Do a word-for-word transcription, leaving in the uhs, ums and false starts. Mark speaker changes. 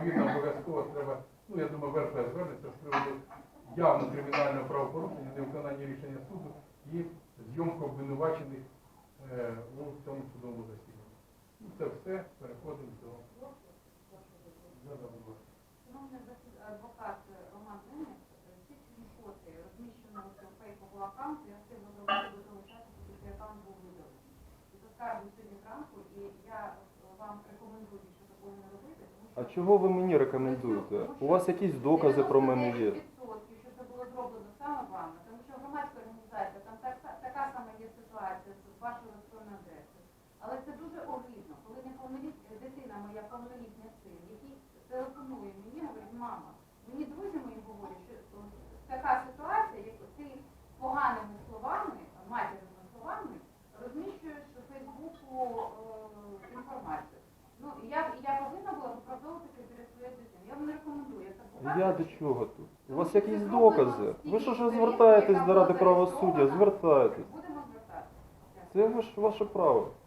Speaker 1: ймовірно, обов'язково треба, ну я думаю, ВРП звернеться з приводу явно кримінального правопорушення, невиконання рішення суду і зйомку обвинувачених е, у цьому судовому засіданні. Ну, це все, переходимо до...
Speaker 2: Шановний адвокат Роман Денис, ці фото розміщено у фейковому аккаунті, я активно зробити до того часу, поки цей аккаунт був видалений. І це скарбу сьогодні зранку, і я вам рекомендую, що такого не робити. Тому що...
Speaker 3: А чого ви мені рекомендуєте? У вас якісь докази про мене є?
Speaker 2: дев'яносто дев'ять відсотків, що це було зроблено саме вами, тому що громадська організація, там так, така сама є ситуація з вашою електронною адресою. Але це дуже огидно, коли неповнолітня дитина моя, повнолітня син, який телефонує мені, говорить, мама, мені друзі мої говорять, що така ситуація, як ти поганими словами, матірними словами, розміщуєш у Фейсбуку е, інформацію. Ну, я, я повинна була виправдовувати перед своєю дитиною. Я вам не рекомендую.
Speaker 3: Я до чого тут? У вас якісь докази? Ви що ж звертаєтесь до Ради правосуддя? Звертайтесь.
Speaker 2: Будемо звертатися.
Speaker 3: Це ваш, ваше право.